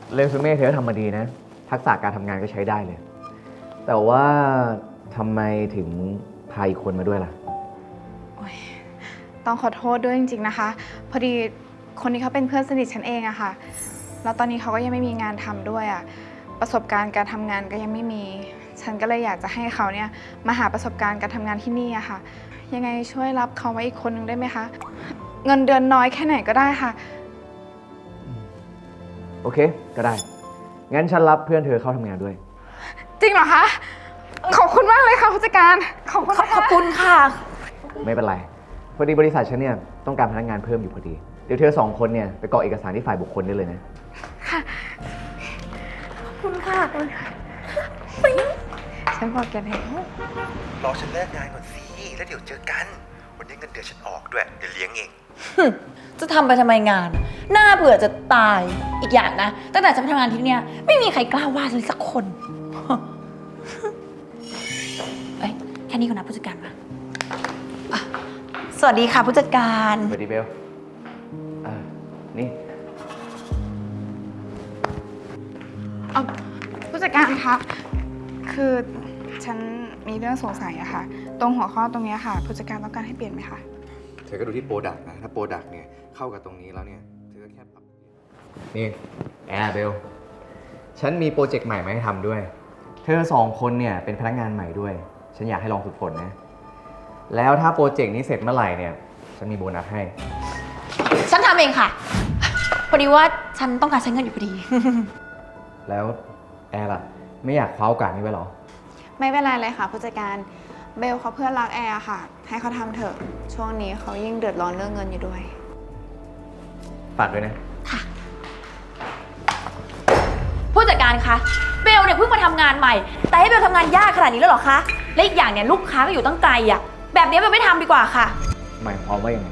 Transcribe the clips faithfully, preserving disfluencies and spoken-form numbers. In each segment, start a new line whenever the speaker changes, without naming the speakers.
เรซูเม่เธอทำมาดีนะทักษะการทำงานก็ใช้ได้เลยแต่ว่าทำไมถึงพาอีกคนมาด้วยล่ะ
ต้องขอโทษด้วยจริงๆนะคะพอดีคนนี้เขาเป็นเพื่อนสนิทฉันเองอะค่ะแล้วตอนนี้เขาก็ยังไม่มีงานทำด้วยอะประสบการณ์การทำงานก็ยังไม่มีฉันก็เลยอยากจะให้เขาเนี่ยมาหาประสบการณ์การทำงานที่นี่อะค่ะยังไงช่วยรับเขาไว้อีกคนนึงได้ไหมคะเงินเดือนน้อยแค่ไหนก็ได้ค่ะ
โอเคก็ได้งั้นฉันรับเพื่อนเธอเข้าทำงานด้วย
จริงเหรอคะขอบคุณมากเลยค่ะผู้จัดการขอบคุณค่ะ
ขอบคุณค่ะ
ไม่เป็นไรพอดีบริษัทฉันเนี่ยต้องการพนักงานเพิ่มอยู่พอดีเดี๋ยวเธอสองคนเนี่ยไปกรอกเอกสารที่ฝ่ายบุคคลได้เลยนะ
ค่ะ
ขอบคุณค่ะ
ฉันบอกแกแล้ว
รอฉันเลิกงานก่อนสิแล้วเดี๋ยวเจอกันวันนี้เงินเดือนฉันออกด้วยเดี๋ยวเลี้ยงเอง
จะทำไปทำไมงานหน้าเบื่อจะตายอีกอย่างนะตั้งแต่ฉันไปทำงานที่นี่ไม่มีใครกล้าว่าเลยสักคนเอ้ยแค่นี้ก่อนนะผู้จัดการมาสวัสดีค่ะผู้จัดการ
สวัสดีเบลอ่านี่
ผู้จัดการคะคือฉันมีเรื่องสงสัยอะค่ะตรงหัวข้อตรงนี้ค่ะผู้จัดการต้องการให้เปลี่ยนไหมคะ
เธอก็ดูที่โปรดักต์นะถ้าโปรดักต์เนี่ยเข้ากับตรงนี้แล้วเนี่ยเธอก็แค่ปรับ
นี่แอร์เบลฉันมีโปรเจกต์ใหม่มาให้ทำด้วยเธอสองคนเนี่ยเป็นพนักงานใหม่ด้วยฉันอยากให้ลองฝึกฝนนะแล้วถ้าโปรเจกต์นี้เสร็จเมื่อไหร่เนี่ยฉันมีโบนัสให้
ฉันทำเองค่ะพอดีว่าฉันต้องการใช้เงินอยู่พอดี
แล้วแอร์ล่ะไม่อยากคว้าโอกาสนี้ไว้หรอ
ไม่เป็นไรเลยค่ะผู้จัดการเบลเขาเพื่อนรักแอร์ค่ะให้เขาทำเถอะช่วงนี้เขายิ่งเดือดร้อนเรื่องเงินอยู่ด้วย
ฝากด้วยนะ
ค่ะผู้จัดการคะเบลเนี่ยเพิ่งมาทำงานใหม่แต่ให้เบลทำงานยากขนาดนี้แล้วเหรอคะและอีกอย่างเนี่ยลูกค้าก็อยู่ตั้งไกลอ่ะแบบนี้เบลไม่ทำดีกว่าค่ะ
หมายความว่ายังไง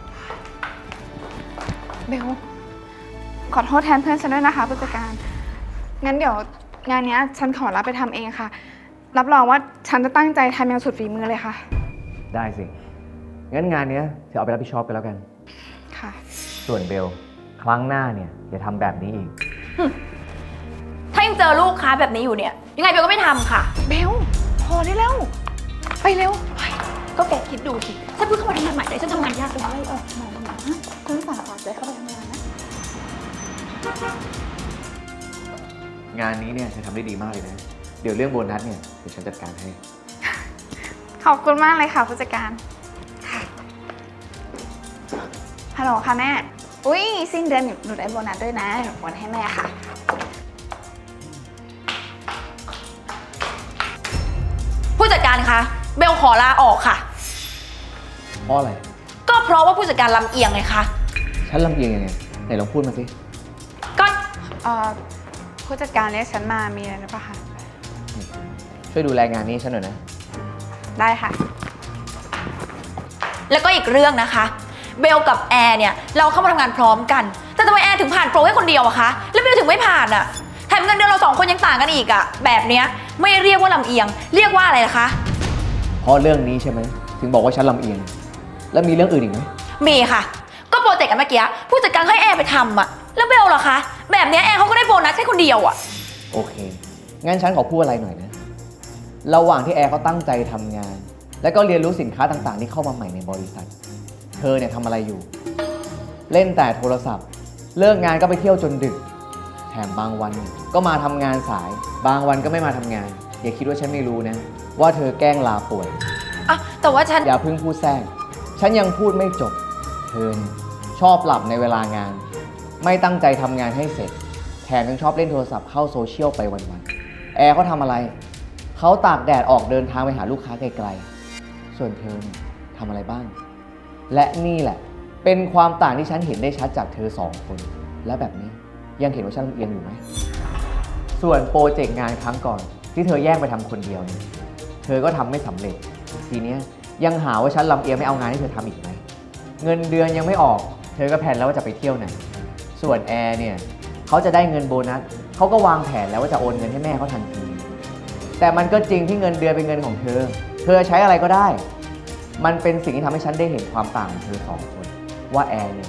เบลขอโทษแทนเพื่อนฉันด้วยนะคะผู้จัดการงั้นเดี๋ยวงานนี้ฉันขอรับไปทำเองค่ะรับรองว่าฉันจะตั้งใจทำอย่างสุดฝีมือเลยค่ะ
ได้สิงั้นงานนี้เธอเอาไปรับผิดชอบกันแล้วกัน
ค่ะ
ส่วนเบลครั้งหน้าเนี่ยอย่าทำแบบนี้อีก
ถ้ายังเจอลูกค้าแบบนี้อยู่เนี่ยยังไงเบลก็ไม่ทำค่ะ
เบลพอได้แล้วไปเร็ว
ก็แกคิดดูสิฉันเพิ่งเข้ามาทำงานใหม่เลยฉันทำงานยากเลย
เออมาทำงานนะคุณฝากฝากใจเข้าไปทำงานนะ
งานนี้เนี่ยเธอทำได้ดีมากเลยนะเดี๋ยวเรื่องโบนัสเนี่ยเดี๋ยวฉันจัดการให้
ขอบคุณมากเลยค่ะผู้จัดการฮัลโหลค่ะแม่อุ้ยสิ้นเดือนหนูได้โบนัสด้วยนะหนูโอนให้แม่ค่ะ
ผู้จัดการคะเบลขอลาออกค่ะ
เพราะอะไร
ก็เพราะว่าผู้จัดการลำเอียงไงคะ
ฉันลำเอียงยังไงไหนลองพูดมาสิ
ก็
เอ่อผู้จัดการเรียกฉันมามีอะไรหรือเปล่าคะ
ช่วยดูแลงานนี้ฉันหน่อยนะ
ได้ค่ะ
แล้วก็อีกเรื่องนะคะเบลกับแอร์เนี่ยเราเข้ามาทำงานพร้อมกันแต่ทำไมแอร์ถึงผ่านโปรแค่คนเดียวอะคะแล้วเบลถึงไม่ผ่านอะแถมเงินเดือนเราสองคนยังต่างกันอีกอะแบบเนี้ยไม่เรียกว่าลำเอียงเรียกว่าอะไรล่ะคะ
เพราะเรื่องนี้ใช่ไหมถึงบอกว่าฉันลำเอียงแล้วมีเรื่องอื่นอีกไหม
มีค่ะก็โปรเจกต์กันเมื่อกี้ผู้จัดการให้แอร์ไปทำอะแล้วเบลล่ะคะแบบเนี้ยแอร์เขาก็ได้โบนัสแค่คนเดียวอะ
โอเคงั้นฉันขอพูดอะไรหน่อยนะระหว่างที่แอร์เขาตั้งใจทำงานและก็เรียนรู้สินค้าต่างๆที่เข้ามาใหม่ในบริษัทเธอเนี่ยทำอะไรอยู่เล่นแต่โทรศัพท์เลิกงานก็ไปเที่ยวจนดึกแถมบางวันก็มาทำงานสายบางวันก็ไม่มาทำงานอย่าคิดว่าฉันไม่รู้นะว่าเธอแกล้งลาป่วย
อ่ะแต่ว่าฉัน
อย่าเพิ่งพูดแทรกฉันยังพูดไม่จบเธอชอบหลับในเวลางานไม่ตั้งใจทำงานให้เสร็จแถมยังชอบเล่นโทรศัพท์เข้าโซเชียลไปวันๆแอร์เขาทำอะไรเขาตากแดดออกเดินทางไปหาลูกค้าไกลๆส่วนเธอเนี่ยทำอะไรบ้างและนี่แหละเป็นความต่างที่ฉันเห็นได้ชัดจากเธอสองคนและแบบนี้ยังเห็นว่าฉันลำเอียงอยู่ไหมส่วนโปรเจกต์งานครั้งก่อนที่เธอแยกไปทำคนเดียวเนี่ยเธอก็ทำไม่สำเร็จทีนี้ยังหาว่าฉันลำเอียงไม่เอางานให้เธอทำอีกไหมเงินเดือนยังไม่ออกเธอก็แผนแล้วว่าจะไปเที่ยวไหนส่วนแอร์เนี่ยเขาจะได้เงินโบนัสเขาก็วางแผนแล้วว่าจะโอนเงินให้แม่เขาทันทีแต่มันก็จริงที่เงินเดือนเป็นเงินของเธอเธอใช้อะไรก็ได้มันเป็นสิ่งที่ทำให้ฉันได้เห็นความต่างของเธอสองคนว่าแอร์เนี่ย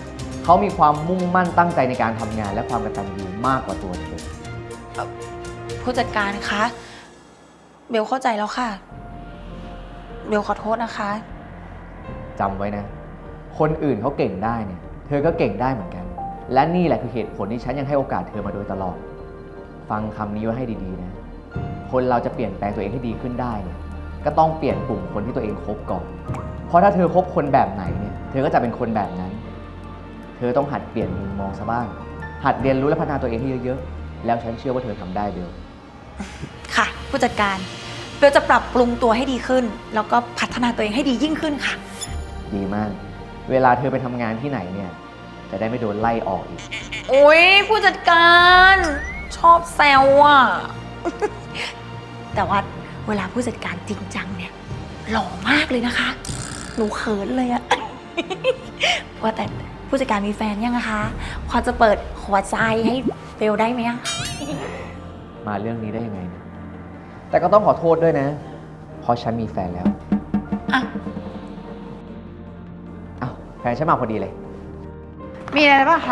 เขามีความมุ่งมั่นตั้งใจในการทำงานและความกตัญญูมากกว่าตัวเธอ
ผู้จัดการคะ เบลเข้าใจแล้วค่ะ เบลขอโทษนะคะ
จำไว้นะ คนอื่นเขาเก่งได้เนี่ย เธอก็เก่งได้เหมือนกัน และนี่แหละคือเหตุผลที่ฉันยังให้โอกาสเธอมาโดยตลอด ฟังคำนี้ไว้ให้ดีๆนะ คนเราจะเปลี่ยนแปลงตัวเองให้ดีขึ้นได้เนี่ย ก็ต้องเปลี่ยนกลุ่มคนที่ตัวเองคบก่อน เพราะถ้าเธอคบคนแบบไหนเนี่ย เธอก็จะเป็นคนแบบนั้น เธอต้องหัดเปลี่ยนมุมมองซะบ้าง หัดเรียนรู้และพัฒนาตัวเองให้เยอะๆ แล้วฉันเชื่อว่าเธอทำได้เบล
ค่ะ ผู้จัดการ เบลจะปรับปรุงตัวให้ดีขึ้น แล้วก็พัฒนาตัวเองให้ดียิ่งขึ้นค่ะ
ดีมาก เวลาเธอไปทำงานที่ไหนเนี่ย จะได้ไม่โดนไล่ออกอีก
โอ๊ยผู้จัดการ ชอบแซวอ่ะ แต่ว่าเวลาผู้จัดการจริงจังเนี่ยหล่อมากเลยนะคะ หนูเขินเลยอะ ว่าแต่ผู้จัดการมีแฟนยังนะคะ พอจะเปิดหัวใจให้เบลได้ไหมอะ
มาเรื่องนี้ได้ยังไงเนี่ยแต่ก็ต้องขอโทษด้วยนะ เพราะฉันมีแฟนแล้ว
อ่ะ
อ้าวแฟนฉันมาพอดีเลย
มีอะไรหรือเปล่าคะ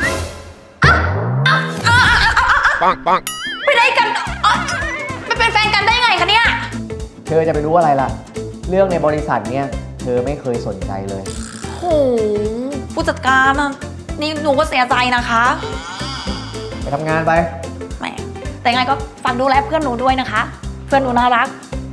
ไปได้กันอ๋อไปเป็นแฟนกันได้ยังไงคะเนี่ย
เธอจะไปรู้อะไรล่ะ เรื่องในบริษัทเนี่ย เธอไม่เคยสนใจเลย
โหผู้จัดการอะนี่หนูก็เสียใจนะคะ
ไปทำงานไป
แหมแต่ยังไงก็ฝากดูแลเพื่อนหนูด้วยนะคะ เพื่อนหนูน่ารัก